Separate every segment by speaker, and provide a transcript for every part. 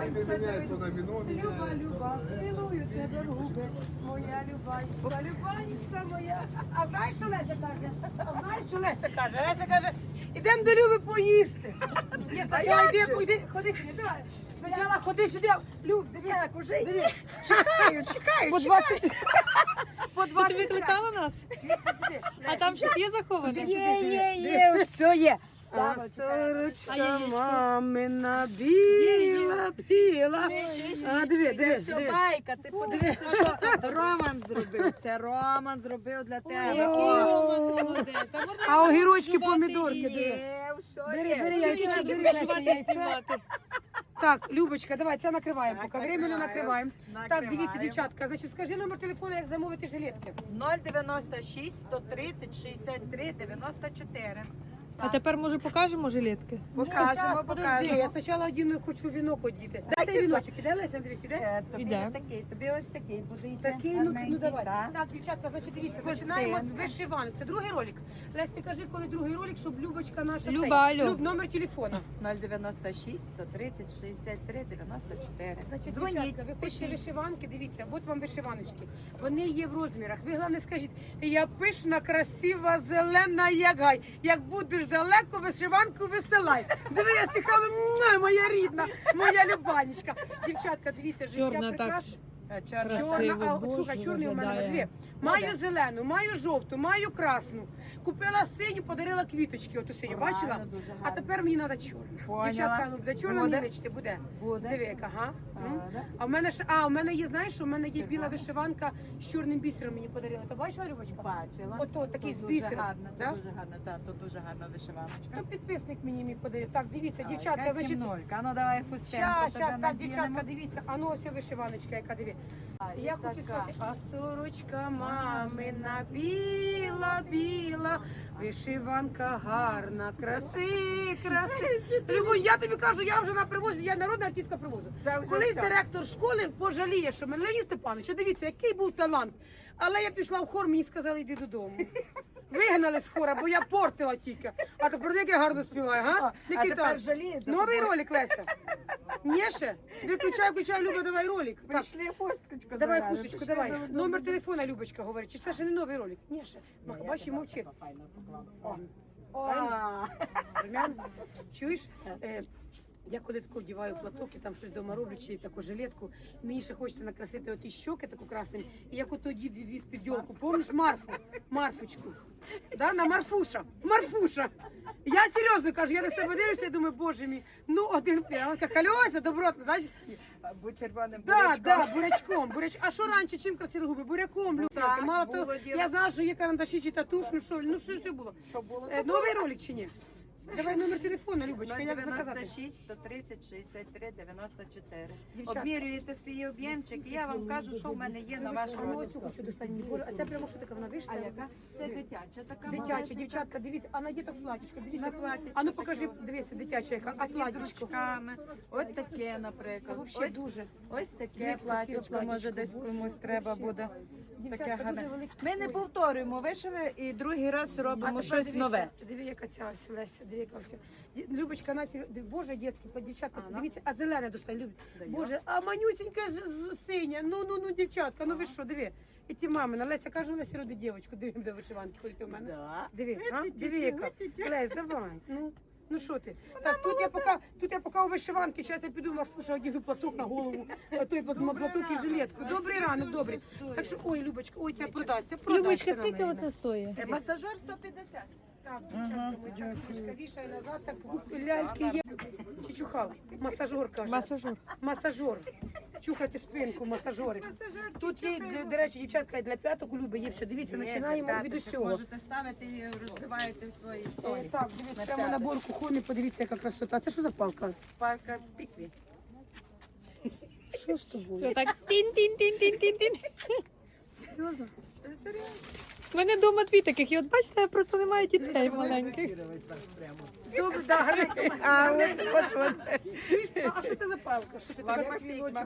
Speaker 1: не меняет, то на вино
Speaker 2: Люба,
Speaker 1: меняет.
Speaker 2: Люба, цілую тебе руби, моя Любанечка, Любанечка моя. А знаєш, що Леся каже? А знаєш, що Леся каже? Леся каже, ідемо до Люби поїсти. Ні, спочатку йди, ходи сюди, давай. Спочатку ходи сюди. Люб, дивись.
Speaker 3: Як уже є? Чекаю.
Speaker 2: По 20. По
Speaker 4: Ти
Speaker 2: 20.
Speaker 4: викликала нас?
Speaker 2: Сюди.
Speaker 4: А там щось є заховане?
Speaker 3: Є, все є.
Speaker 2: А
Speaker 3: Саме
Speaker 2: сорочка
Speaker 4: яєчко?
Speaker 2: мамина біла, біла. А, диви, диви,
Speaker 3: Це
Speaker 2: диви.
Speaker 3: байка, ти подивися, що Роман зробив. Це Роман зробив для тебе.
Speaker 2: А огірочки, помідорки, диви.
Speaker 3: Є, все
Speaker 2: Бери,
Speaker 3: є.
Speaker 2: бери яйця, бери Леся, яйця. Так, Любочка, давай, це накриваємо, поки время не накриваємо. Так, дивіться,
Speaker 3: Накриваємо.
Speaker 2: дівчатка, значить, скажи номер телефону, як замовити жилетки.
Speaker 3: 096 130 63 94.
Speaker 4: А тепер, може, покажемо жилетки?
Speaker 3: Покажемо,
Speaker 2: Подожди, я
Speaker 3: покажемо.
Speaker 2: спочатку один хочу вінок одіти. Дай цей віночок, іде, Леся, дивись, іде?
Speaker 3: Тобі
Speaker 4: Іде.
Speaker 3: такий, тобі ось такий буде йти.
Speaker 2: Такий, ну
Speaker 3: гарненький,
Speaker 2: давай.
Speaker 3: так.
Speaker 2: Так, дівчатка, значить, дивіться, починаємо з вишиванок. Це другий ролик. Лесь, ти кажи, коли другий ролик, щоб Любочка наша
Speaker 4: Люба,
Speaker 2: цей.
Speaker 4: алло.
Speaker 2: Люб, номер телефона.
Speaker 3: 096 130 63 94.
Speaker 2: Значить,
Speaker 3: Дзвоніть,
Speaker 2: дівчатка, ви хочете
Speaker 3: пишіть.
Speaker 2: вишиванки, дивіться, от вам вишиваночки. Вони є в розмірах. Ви головне скажіть, я пишна, красива, зелена, як гай. Як будеш далеко, вишиванку висилай. Диви, я стихами, моя рідна, моя Любанечка. Дівчатка, дивіться, життя
Speaker 4: Чорна так.
Speaker 2: прекрасне.
Speaker 3: Чорна.
Speaker 2: Чорна, а
Speaker 4: Боже,
Speaker 2: слухай, чорний у мене
Speaker 4: виглядає.
Speaker 2: дві. Маю зелену, маю жовту, маю красну. Купила синю, подарила квіточки, оту синю,
Speaker 3: Гарно,
Speaker 2: бачила?
Speaker 3: дуже
Speaker 2: А
Speaker 3: гарно.
Speaker 2: тепер мені треба чорну.
Speaker 3: Поняла.
Speaker 2: Дівчатка, ну буде чорна,
Speaker 3: Буде.
Speaker 2: мені личити, буде.
Speaker 3: Буде.
Speaker 2: Диви, яка, ага.
Speaker 3: Буде.
Speaker 2: А в мене у мене є, знаєш, що в мене є біла вишиванка з чорним бісером, мені подарила. Ти бачила, Любочка?
Speaker 3: Бачила.
Speaker 2: Ото такий
Speaker 3: Тут
Speaker 2: з
Speaker 3: дуже
Speaker 2: бісером,
Speaker 3: гарно,
Speaker 2: да?
Speaker 3: тут дуже гарно, так, тут дуже гарна вишиваночка.
Speaker 2: То підписник мені подарив. Так, дивіться, дівчатка,
Speaker 3: Яка
Speaker 2: значить,
Speaker 3: темнолька. Ну давай фустенку
Speaker 2: щас,
Speaker 3: тебе
Speaker 2: так, дівчатка,
Speaker 3: надінемо.
Speaker 2: дивіться, а ну ось вишиваночка, яка диві.
Speaker 3: І
Speaker 2: Я хочу
Speaker 3: така.
Speaker 2: сказати, а сорочка мамина біла, біла, вишиванка гарна, краси. Любов, я тобі кажу, я вже на привозі, я народна артистка привозу.
Speaker 3: Вже
Speaker 2: Колись
Speaker 3: все.
Speaker 2: директор школи пожаліє, що мене Леонід Степанович, що дивіться, який був талант. Але я пішла в хор, мені сказали, йди додому. Вигнали з хора, бо я портила тільки. А тепер як я гарно співаю, га?
Speaker 3: А
Speaker 2: Який
Speaker 3: тепер
Speaker 2: талант?
Speaker 3: жаліють за
Speaker 2: Новий
Speaker 3: тобою.
Speaker 2: ролик, Леся. Ні ще? Включай, Люба, давай ролик. Так.
Speaker 3: Прийшли фусточку.
Speaker 2: Давай
Speaker 3: зав'яжемо.
Speaker 2: хусточку,
Speaker 3: Пішли
Speaker 2: давай.
Speaker 3: до-
Speaker 2: Номер телефона, Любочка, говорить. Чи це ще не новий ролик? Ні, ще. Бачиш, мовчить.
Speaker 3: О,
Speaker 2: Румян. Чуєш? Я коли таку вдіваю платок і там щось вдома роблю, чи таку жилетку, мені ще хочеться накрасити оті щоки таку красним. І як ото дід відвіз під йолку, помніш Марфочку? Да, на Марфуша. Я серйозно кажу, я на себе дивлюся і думаю, боже мій, ну один, вона така Льося, добротна, знаєш?
Speaker 3: будь червоним
Speaker 2: Да,
Speaker 3: бурячком.
Speaker 2: бурячком. А що раніше, чим красили губи? Буряком, Люблю.
Speaker 3: Так,
Speaker 2: Мало
Speaker 3: було
Speaker 2: того,
Speaker 3: діло.
Speaker 2: я знала, що є карандаші чи татуш, ну що це було?
Speaker 3: Що було?
Speaker 2: Новий ролик чи ні? Давай номер телефону, Любочка, як заказати?
Speaker 3: 096 130 63 94.
Speaker 2: Дівчатка.
Speaker 3: Обмірюєте свій об'ємчик, і я вам кажу, що в мене є на ваш
Speaker 2: А ну,
Speaker 3: розмір.
Speaker 2: оцю хочу достати. Боже, а це прямо що таке, вона вийшла?
Speaker 3: А яка? Це дитяча така.
Speaker 2: Дитяча,
Speaker 3: малесенька.
Speaker 2: дівчатка, дивіться, а на діток платічко, дивіться.
Speaker 3: На платічко
Speaker 2: А ну покажи,
Speaker 3: таке.
Speaker 2: дивися, дитяча яка, а
Speaker 3: Такі з
Speaker 2: платічко.
Speaker 3: ручками. Ось таке, наприклад.
Speaker 2: А вообще
Speaker 3: Ось-
Speaker 2: дуже.
Speaker 3: Ось
Speaker 2: Дуже
Speaker 3: таке
Speaker 2: красиве
Speaker 3: платічко, може
Speaker 2: платічко,
Speaker 3: десь
Speaker 2: боже,
Speaker 3: комусь треба
Speaker 2: вообще.
Speaker 3: буде.
Speaker 2: Дівчатка,
Speaker 3: Таке
Speaker 2: дуже
Speaker 3: гарне.
Speaker 2: велике.
Speaker 3: Ми не повторюємо, вишили і другий раз робимо
Speaker 2: тепер
Speaker 3: щось
Speaker 2: дивися,
Speaker 3: нове.
Speaker 2: Диви, яка ця ось Леся, диви, яка все. Любочка, на ці, боже, дітські, дівчатка,
Speaker 3: Ага.
Speaker 2: дивіться, а зелене достань, любить.
Speaker 3: Даю.
Speaker 2: Боже, а манюсенька синя, ну, дівчатка, ну ви що, диви. І ті мамина, Леся, кажу, Лесі, роди дівчинку, диви, до вишиванки ходить у мене.
Speaker 3: Да.
Speaker 2: Диви, а? Диви, яка. Лесь, давай, ну що ти? Так, тут я поки у вишиванки, зараз я піду Марфуша, одягну платок на голову, а той платок і жилетку. Добрий ранок, добрий. Так що, ой, Любочка, ой, це продасться,
Speaker 4: Любочка,
Speaker 2: на
Speaker 4: скільки
Speaker 2: мене.
Speaker 4: оце стоїть?
Speaker 3: Масажер 150.
Speaker 2: Так, дівчатка, моя книжка вішає назад, так ляльки є. Чичухал, масажер каже. Масажер. Чухати спинку, масажери. Тут є, до речі, дівчатка, для п'яток у Люби є все. Дивіться, починаємо від усього.
Speaker 3: Можете ставити і розбиваєте в свої солі.
Speaker 2: Так, дивіться, прямо набор кухонний, подивіться, яка красота. А це що за палка?
Speaker 3: Палка пікві.
Speaker 2: Що з тобою?
Speaker 4: Так, тін-тін-тін-тін-тін-тін.
Speaker 2: Серйозно?
Speaker 4: У мене вдома дві таких, і от бачите, просто немає дітей маленьких.
Speaker 2: Добре, да, гарненько.
Speaker 3: от.
Speaker 2: Чуєш, а що це за палка? Що це таке?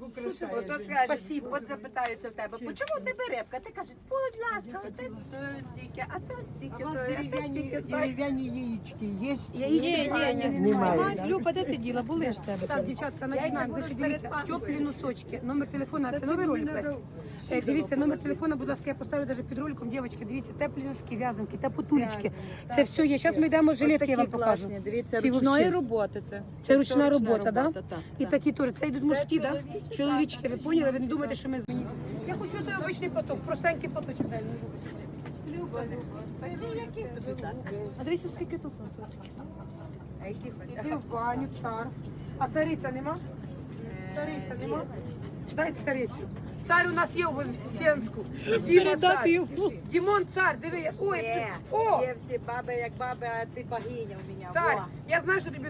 Speaker 3: Ото скажуть,
Speaker 2: Спасибо.
Speaker 3: от запитаються в тебе, по чому у тебе рибка? Ти кажеш, будь ласка, оте стільки, а це стільки, а це стільки.
Speaker 1: Дерев'яні яєчки є?
Speaker 2: Яєчки
Speaker 1: Немає.
Speaker 4: Люба, де ти діла? Були ж в тебе.
Speaker 2: Так, дівчатка, починаємо. Ви ще дивіться, теплі носочки. Номер телефона, це новий ролик весь. Дивіться, номер телефона, будь ласка, я поставлю навіть під роликом. Дівчатки, дивіться, теплі носки, в'язанки, тапотулечки. Це все є. Зараз ми йдемо жилетки, я вам покажу.
Speaker 3: Дивіться,
Speaker 2: Ці
Speaker 3: ручної
Speaker 2: вообще.
Speaker 3: роботи це.
Speaker 2: Це ручна робота,
Speaker 3: так?
Speaker 2: так? І такі теж. Це йдуть мужські, так? Чоловічки, ви поняли? Ви не думаєте, що ми змінили? Я хочу той обичний поток, простенький поточок. Дай мені. Люба,
Speaker 3: Які тобі так?
Speaker 4: А дивіться, скільки тут носочків.
Speaker 3: А які
Speaker 2: Іди в баню, цар. А цариця нема? Цариця нема? Дай царицю. Цар у нас є у Вознесенську. Діма цар.
Speaker 4: Передав.
Speaker 2: Дімон цар, диви. Ой, о,
Speaker 3: Є всі баби, як баби, а ти богиня у мене.
Speaker 2: цар. Я знаю, що тобі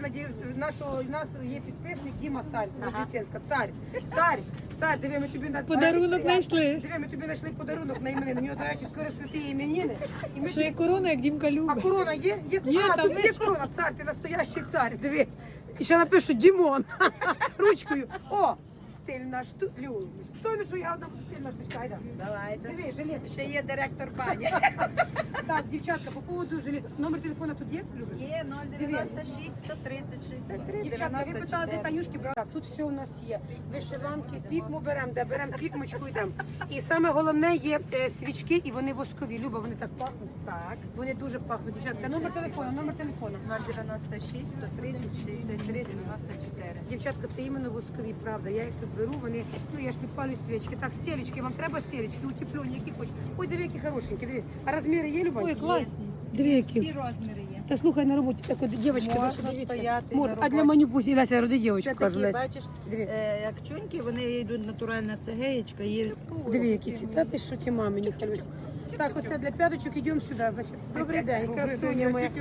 Speaker 2: у нас є підписник Діма цар, Вознесенська. Цар, цар, цар, диви, ми тобі на
Speaker 4: Подарунок знайшли.
Speaker 2: Диви, ми тобі знайшли подарунок на іменини. У нього, до речі, скоро святі іменини. І ми
Speaker 4: Що є корона, як Дімка
Speaker 2: А
Speaker 4: любить.
Speaker 2: корона є? Є,
Speaker 4: Є,
Speaker 2: а,
Speaker 4: там
Speaker 2: тут
Speaker 4: є.
Speaker 2: є корона, цар, ти настоящий цар, диви. І ще напишу Дімон. Ручкою. О, стильна штука. Стой, ну що я одна буду стильна штучка, айда.
Speaker 3: Давайте.
Speaker 2: Диви, жилет.
Speaker 3: Ще є директор бані.
Speaker 2: Так, дівчатка, по поводу жилета. Номер телефона тут є, Люба?
Speaker 3: Є 096 130 63
Speaker 2: Дівчатка, ви питали, де
Speaker 3: 94.
Speaker 2: Танюшки брали. Так, тут все у нас є. Вишиванки, пікму беремо, де беремо пікмочку йдемо. І саме головне є свічки, і вони воскові. Люба, вони так пахнуть.
Speaker 3: Так.
Speaker 2: Вони дуже пахнуть. Дівчатка, номер телефону, номер телефону.
Speaker 3: 096 130 63 94.
Speaker 2: Дівчатка, це іменно воскові, правда. Я їх тут беру, вони, ну я ж підпалю свічки. Так, стелечки, вам треба стелечки, утеплені, які хочеш. Ой, диви, які хорошенькі, диви. А розміри є, Люба?
Speaker 4: Ой, класні.
Speaker 2: Диви, які.
Speaker 3: Всі розміри є.
Speaker 2: Та слухай, на роботі, так от, дівчатка,
Speaker 3: Можна
Speaker 2: ваша, дивіться.
Speaker 3: стояти
Speaker 2: Мор,
Speaker 3: на
Speaker 2: а для
Speaker 3: роботі.
Speaker 2: манюпусі, Леся, роди
Speaker 3: Це
Speaker 2: дівчатку, кажу,
Speaker 3: такі,
Speaker 2: Леся.
Speaker 3: бачиш,
Speaker 2: Диви.
Speaker 3: як чуньки, вони йдуть натуральна цегеєчка. Є...
Speaker 2: Диви, які ці, та ти що ті мами, не хвилюйся. Так, оце для п'яточок, йдемо сюди, значить. Добрий день, красуня моя.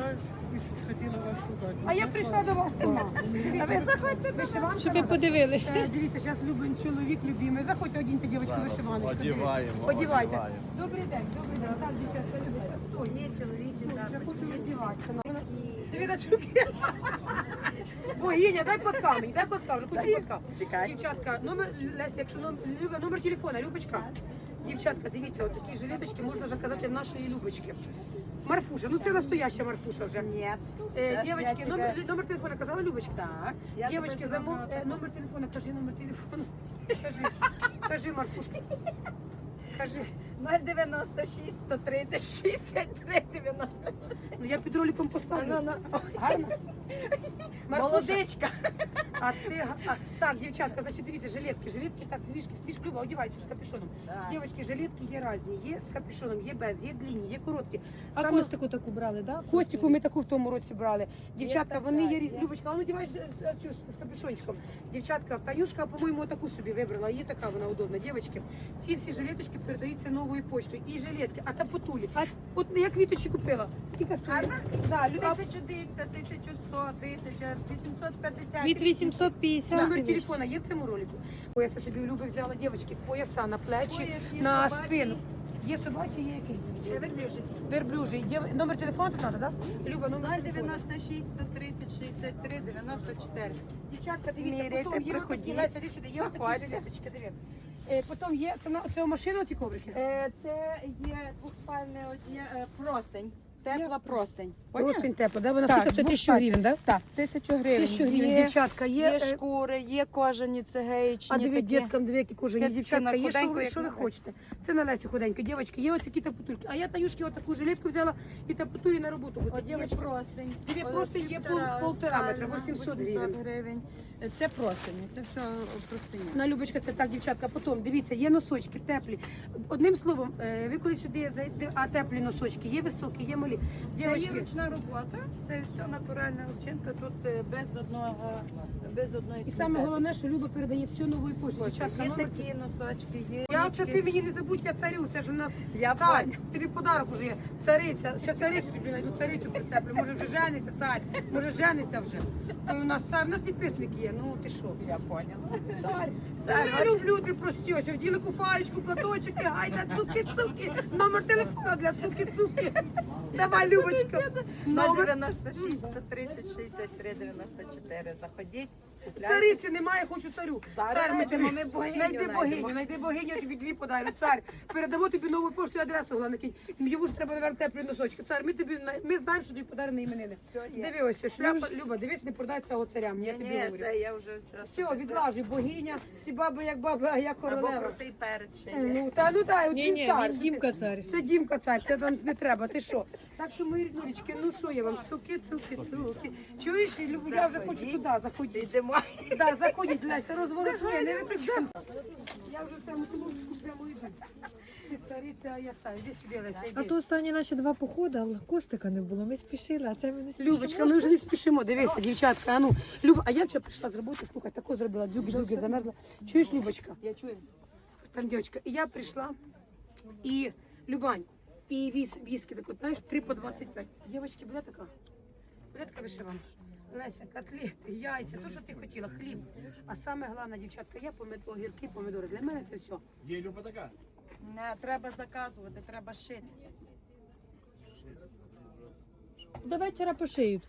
Speaker 2: А я прийшла до вас сама.
Speaker 3: А ви заходьте
Speaker 2: Вишиванка
Speaker 4: Щоб ви
Speaker 2: надо?
Speaker 4: подивилися.
Speaker 2: Дивіться, зараз любим чоловік любимий. Заходьте, одіньте, дівчатку, вишиваночку.
Speaker 5: Одіваємо,
Speaker 2: Одівайте.
Speaker 5: одіваємо.
Speaker 2: Добрий день, добрий день. Так, дівчатка, любите. Стой.
Speaker 3: Є чоловічі
Speaker 2: Я
Speaker 3: тапочки.
Speaker 2: хочу
Speaker 3: є
Speaker 2: роздіватися.
Speaker 3: такі.
Speaker 2: Диви на чуки. Богиня, дай под камінь, дай под камінь, хочу под камінь.
Speaker 3: Чекай.
Speaker 2: Дівчатка, номер, Леся, якщо номер телефона, Любочка. Дівчатка, дивіться, от такі жилеточки можна заказати в нашої Любочки. Марфуша, ну це настояща Марфуша вже.
Speaker 3: Ні.
Speaker 2: Дівчатки, номер телефона казала Любочка?
Speaker 3: Так. Я
Speaker 2: Дівчатки,
Speaker 3: тебе
Speaker 2: номер телефона, кажи номер телефону. Кажи, Марфушка. Кажи.
Speaker 3: 096 130 63 94.
Speaker 2: Ну я під роликом поставлю.
Speaker 3: Ну.
Speaker 2: Гарно? Марфуша,
Speaker 3: Молодичка.
Speaker 2: А ти так, дівчатка, значить, дивіться, жилетки, так, свіжки, Люба, одівайте з капюшоном.
Speaker 3: Так.
Speaker 2: Дівчатки, жилетки є різні, є з капюшоном, є без, є длинні, є короткі.
Speaker 4: А
Speaker 2: Саме-
Speaker 4: костику таку брали, так?
Speaker 2: Костіку ми таку в тому році брали. Дівчатка,
Speaker 3: така,
Speaker 2: вони є
Speaker 3: є.
Speaker 2: різні. Любочка, а ну дівай цю з капюшончиком. Дівчатка, Танюшка, по-моєму, таку собі вибрала. Є така вона удобна. Дівчатки, ці всі жилеточки передаються новою поштою. І жилетки, а тапотулі. От я квіточки купила. Скільки стоїть?
Speaker 3: Гарна?
Speaker 2: Да,
Speaker 3: 1200, 1100, 1850.
Speaker 4: Від 850.
Speaker 2: Номер
Speaker 4: вийшло.
Speaker 2: телефона є в цьому ролику. Пояса собі у Люби взяла, дівчатки, пояса на плечі,
Speaker 3: Пояс є
Speaker 2: на
Speaker 3: собачий.
Speaker 2: спину. Є собачий, є який?
Speaker 3: Верблюжий.
Speaker 2: Верблюжий. Номер телефону тут треба, так? Да? Люба, номер телефону.
Speaker 3: 096 130 63 94.
Speaker 2: Дівчатка, дивіться,
Speaker 3: Міряйте,
Speaker 2: потім є
Speaker 3: приходіть.
Speaker 2: отакі, Леся, іди сюди, є отакі
Speaker 3: Заходьте.
Speaker 2: жилеточки, диви. Потім є, це у машину ці коврики?
Speaker 3: Це є двохспальний, от є простень. Тепла простень.
Speaker 2: Простень тепло, да? Вона
Speaker 3: Так,
Speaker 2: скільки? Це 1000
Speaker 3: двохспальний.
Speaker 2: гривень, так?
Speaker 3: Так, 1000 гривень.
Speaker 2: 1000 гривень,
Speaker 3: Є,
Speaker 2: дівчатка, є.
Speaker 3: є шкури, є кожані цегеїчні.
Speaker 2: А диви,
Speaker 3: такі.
Speaker 2: діткам, диви, які кожані
Speaker 3: Такі
Speaker 2: дівчатка, є, що
Speaker 3: худенько,
Speaker 2: ви,
Speaker 3: як
Speaker 2: що ви
Speaker 3: на Лесі.
Speaker 2: хочете. Це на Лесі худенько. Дівчатки, є оці тапотульки. А я Таюшки отаку жилетку взяла і тапотулі на роботу. От,
Speaker 3: От є
Speaker 2: дівчатки,
Speaker 3: простень.
Speaker 2: Дві
Speaker 3: От
Speaker 2: простині є полтора метра, 800
Speaker 3: гривень. Це простині, це все простині.
Speaker 2: На Любочка, це так, дівчатка. Потім, дивіться, є носочки теплі. Одним словом, ви коли сюди зайдете, а теплі носочки, є високі, є малі.
Speaker 3: Це є
Speaker 2: Дівчатки,
Speaker 3: ручна робота, це все натуральна овчинка, тут без одної
Speaker 2: і саме головне, що Люба передає все новою поштою. Дівчатка,
Speaker 3: Є
Speaker 2: номер.
Speaker 3: такі носочки, є.
Speaker 2: Я оце
Speaker 3: ручки.
Speaker 2: ти мені не забудь, я царю, це ж у нас
Speaker 3: Я
Speaker 2: цар.
Speaker 3: поняла.
Speaker 2: Тобі подарок уже є. Цариця. Ще царицю тобі знайду, царицю прицеплю. Може вже жениться, цар. Може жениться вже. То у нас підписники є, ну ти що?
Speaker 3: Я поняла.
Speaker 2: Цар,
Speaker 3: Цар,
Speaker 2: я люблю ти прості, ось вділи куфаєчку, платочки, гайда, цуки-цуки, номер телефону для цуки-цуки. Давай, Любочка. Номер.
Speaker 3: 096 130 63 94. Заходіть. купляйте.
Speaker 2: Цариці немає, хочу царю.
Speaker 3: Зараз
Speaker 2: Цар,
Speaker 3: знайдемо, ми богиню
Speaker 2: знайди богиню, я тобі дві подарю. Цар, передамо тобі нову пошту і адресу, головне. Йому ж треба, наверное, теплі носочки. Цар, ми знаємо, що тобі подарені іменини.
Speaker 3: Все є.
Speaker 2: Диви ось, шляпа, Люба, дивись, не продай цього царям, я тобі
Speaker 3: Ні,
Speaker 2: говорю.
Speaker 3: це я вже
Speaker 2: Все, відлажуй, богиня, всі баби як баба, а я
Speaker 3: Або
Speaker 2: королева.
Speaker 3: крутий перець ще є.
Speaker 2: Ну, ну дай, от
Speaker 4: Ні,
Speaker 2: він
Speaker 4: ні,
Speaker 2: цар.
Speaker 4: він Дімка цар.
Speaker 2: Це Дімка цар, це там не треба, ти що? Так що, мої ріднулечки, ну що я вам, цуки. Чуєш, Любу, я вже хочу туди, заходіть.
Speaker 3: Йдемо.
Speaker 2: Да, заходіть, Леся, розворотує, не виключай. Я вже в цьому тулубчику прямо йду. Ти цариця, а я цар. Іди сюди, Леся,
Speaker 4: А
Speaker 2: йди.
Speaker 4: то останні наші два походи, але костика не було. Ми спішили, а це ми не спішимо.
Speaker 2: Любочка, ми вже не спішимо, дивися, дівчатка, а ну. Люба, а я вчора прийшла з роботи, слухай, тако зробила, дюги-дюги, замерзла. Чуєш, Любочка?
Speaker 3: Я чую.
Speaker 2: Там дівчатка, і я прийшла, і Любань, і віскі, так от, знаєш, 3 по 25. Дівчатки, буде така? Буде така вишиванка? Леся, котлети, яйця, то, що ти хотіла, хліб. А саме головне, дівчатка, я огірки, помідори. Для мене це все.
Speaker 5: Є Люба така?
Speaker 3: Не, треба заказувати, треба шити.
Speaker 4: До вечора пошиють.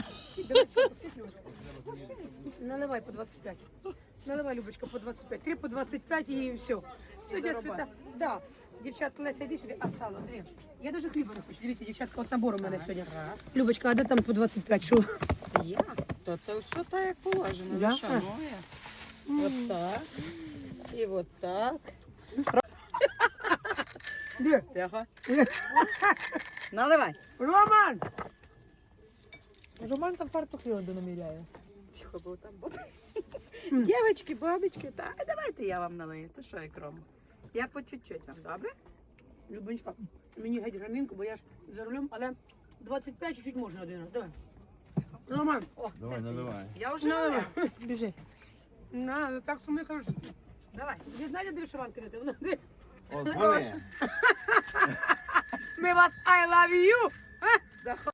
Speaker 2: Наливай по 25. Наливай, Любочка, по 25. 3 по 25 і все. Сьогодні свята. Да. Дівчатка, Леся, йди сюди, а сало, диви. Я навіть хліба не хочу. Дивіться, дівчатка, от набор у мене сьогодні. Любочка, а де там по 25? Що?
Speaker 3: Я? То це все так, як положено.
Speaker 2: Да?
Speaker 3: Ну, шанує. От так. І от так.
Speaker 2: Де?
Speaker 3: Тихо. Наливай.
Speaker 2: Роман!
Speaker 4: Роман там фартух льоду наміряє.
Speaker 3: Тихо, бо там баби. Дівчатки, бабочки, так, давайте я вам налию. То що, як Рома? Я по чуть-чуть вам, добре?
Speaker 2: Любонечка, мені геть грамінку, бо я ж за рулем, але 25 чуть-чуть можна один раз. Давай. Роман, о,
Speaker 5: Давай, наливай.
Speaker 3: Я вже
Speaker 2: наливай.
Speaker 3: налила.
Speaker 4: Біжи.
Speaker 2: На, так що ми хороші.
Speaker 3: Давай.
Speaker 2: Ви знаєте, де вишиванка де? Вона де?
Speaker 5: О, дзвони.
Speaker 2: Ми вас I love you!
Speaker 3: Заходь.